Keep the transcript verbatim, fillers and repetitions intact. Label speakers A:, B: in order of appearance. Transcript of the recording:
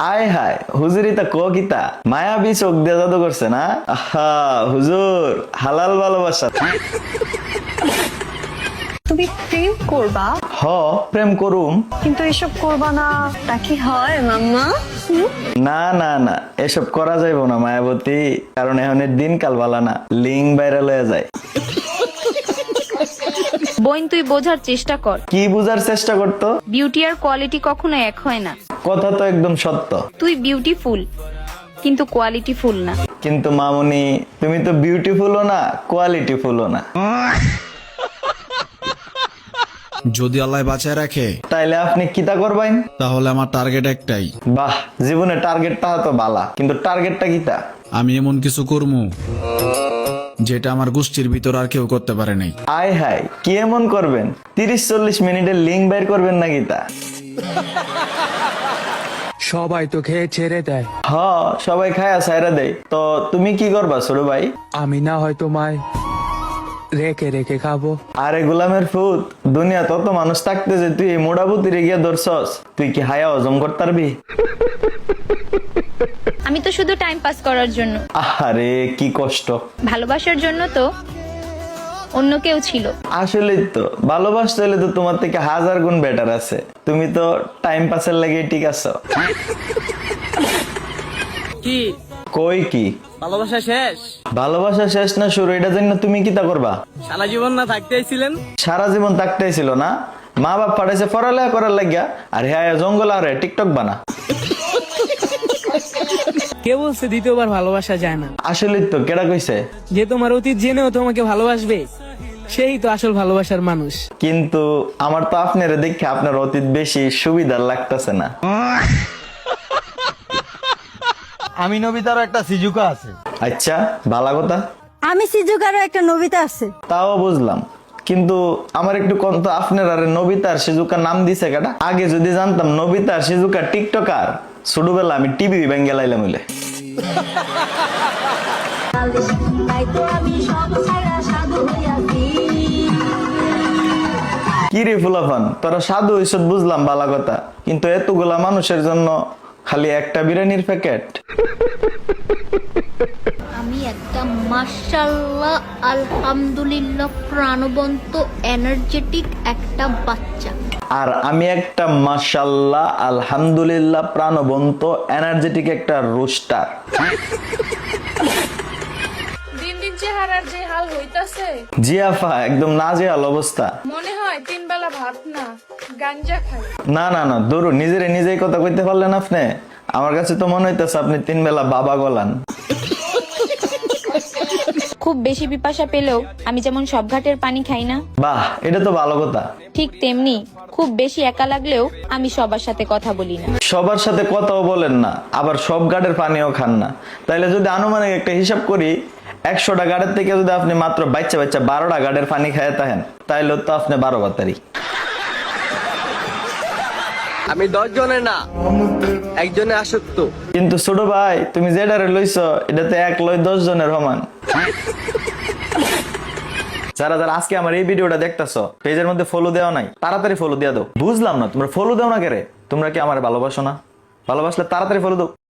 A: আয় হায় হুজুরিতা ক কিতা মায়াবী চোখ দিয়ে জাদু করছে না। আহা হুজুর হালাল ভালোবাসা।
B: তুমি প্রেম করবা?
A: হ প্রেম করুম,
B: কিন্তু এসব করবা না তা কি হয় মাম্মা? হুম?
A: না না না এসব করা যাইব না মায়াবতী, কারণ এখন দিনকাল বালা না, লিঙ্ক ভাইরাল হয়ে যায়।
C: বোন তুই বোঝার চেষ্টা কর,
A: কি বুঝার চেষ্টা করতো?
C: বিউটি আর কোয়ালিটি কখনো এক হয় না।
A: কথা তো একদম সত্য,
C: তুই বিউটিফুল কিন্তু কোয়ালিটিফুল না।
A: কিন্তু মামুনি তুমি তো বিউটিফুলও না কোয়ালিটিফুলও না।
D: যদি আল্লাহ বাঁচায় রাখে
A: তাইলে আপনি কিতা করবেন?
D: তাহলে আমার টার্গেট একটাই,
A: বাহ জীবনে টার্গেটটা তো বালা, কিন্তু টার্গেটটা কিতা?
D: আমি এমন কিছু করবো যেটা আমার গোষ্ঠীর ভিতর আর কেউ করতে পারে নাই।
A: আয় হায় কি এমন করবেন? তিরিশ চল্লিশ মিনিটের লিঙ্ক বের করবেন না কিতা?
E: সবাই তো খেয়ে ছেড়ে দেয়,
A: হ সবাই খায়া সাইরা দেয়, তো তুমি কি করবা ছোট ভাই?
E: আমি না হয় তোমায় রেখে রেখে খাবো।
A: আরে গোলামের ফুত, দুনিয়া তত মানুষ থাকতে যে তুই এই মোড়াবুতিরে গিয়া ধরছস, তুই কি হায়া হজম করতে পারবি?
C: আমি তো শুধু টাইম পাস করার জন্য,
A: আরে কি কষ্ট।
C: ভালোবাসার জন্য তো অন্য কেউ ছিল।
A: আসলেই তো ভালোবাসতে হলে তো তোমার থেকে হাজার গুণ বেটার আছে, তুমি তো টাইম পাসের লাগে ঠিক আছো।
F: কি
A: কই কি
F: ভালোবাসা শেষ?
A: ভালোবাসা শেষ না শুরু, এটা জানি না তুমি কিতা করবা?
F: সারা জীবন না থাকতে আইছিলেন?
A: সারা জীবন থাকতেই ছিল না, মা বাপ পাঠাইছে পড়ালেখা করার লাগিয়া, আর হ্যাঁ জঙ্গল আর টিকটক বানা।
F: কে বলছে দ্বিতীয়বার ভালোবাসা যায় না?
A: আসলে তো কেডা কইছে?
F: যে তোমার অতীত জেনেও তোমাকে ভালোবাসবে সেই তো আসল ভালোবাসার মানুষ।
A: কিন্তু আমার তো আপনারে দেখে আপনার অতীত বেশি সুবিধার লাগতেছে না।
G: আমি নবিতারও একটা সিজুকা আছে।
A: আচ্ছা ভালো কথা,
B: আমি সিজুকারও একটা নবিতা আছে।
A: তাও বুঝলাম, কিন্তু আমার একটু কোন তো আপনার আরে নবিতা আর সিজুকা নাম দিছে কেডা? আগে যদি জানতাম নবিতা আর সিজুকা টিকটকার, ছোটবেলা আমি টিভি ভেঙে লাইলাম হইলে। কি রে ফুলাফান, তোরা সাধু হইছ বুঝলাম বালা কথা, কিন্তু এতগুলা মানুষের জন্য খালি একটা বিরিয়ানির প্যাকেট?
H: আমি একটা মাশাআল্লাহ আলহামদুলিল্লাহ প্রাণবন্ত এনার্জেটিক একটা বাচ্চা,
A: আর আমি একটা মাশাআল্লাহ আলহামদুলিল্লাহ প্রাণবন্ত এনার্জেটিক একটা রোস্টার।
I: দিন দিন চেহারার যে হাল হইতাছে,
A: জি আফা একদম নাজেহাল অবস্থা।
I: মনে হয় তিন বেলা ভাত না গাঞ্জা খাই।
A: না না না দূর, নিজেরে নিজেই কথা কইতে পারলেন আপনি? আমার কাছে তো মনে হইতেছে আপনি তিন বেলা বাবা গলান।
C: খুব বেশি পিপাসা পেলেও আমি যেমন সব ঘাটের পানি খাই না,
A: বাহ এটা তো ভালো কথা।
C: ঠিক তেমনি খুব বেশি একা লাগলেও আমি সবার সাথে কথা বলি না।
A: সবার সাথে কথাও বলেন না, আবার সব গাড়ের পানিও খান না, তাইলে যদি আনুমানিক একটা হিসাব করি, একশোটা গাড়ের থেকে যদি আপনি মাত্র বাচ্চা বাচ্চা বারোটা গাড়ের পানি খায় থাকেন, তাইলে তো আপনি বারো বাতারি।
F: আমি দশ জনের না একজনে আসক্ত।
A: কিন্তু ছোট ভাই তুমি যেটারে লইছ এটা তো এক লয় দশ জনের সমান। যারা যারা আজকে আমার এই ভিডিওটা দেখতেছো, পেজের মধ্যে ফলো দেওয়া নাই, তাড়াতাড়ি ফলো দিয়ে দাও। বুঝলাম না তোমরা ফলো দাও না কেরে? তোমরা কি আমার ভালোবাসো না? ভালোবাসলে তাড়াতাড়ি ফলো দাও।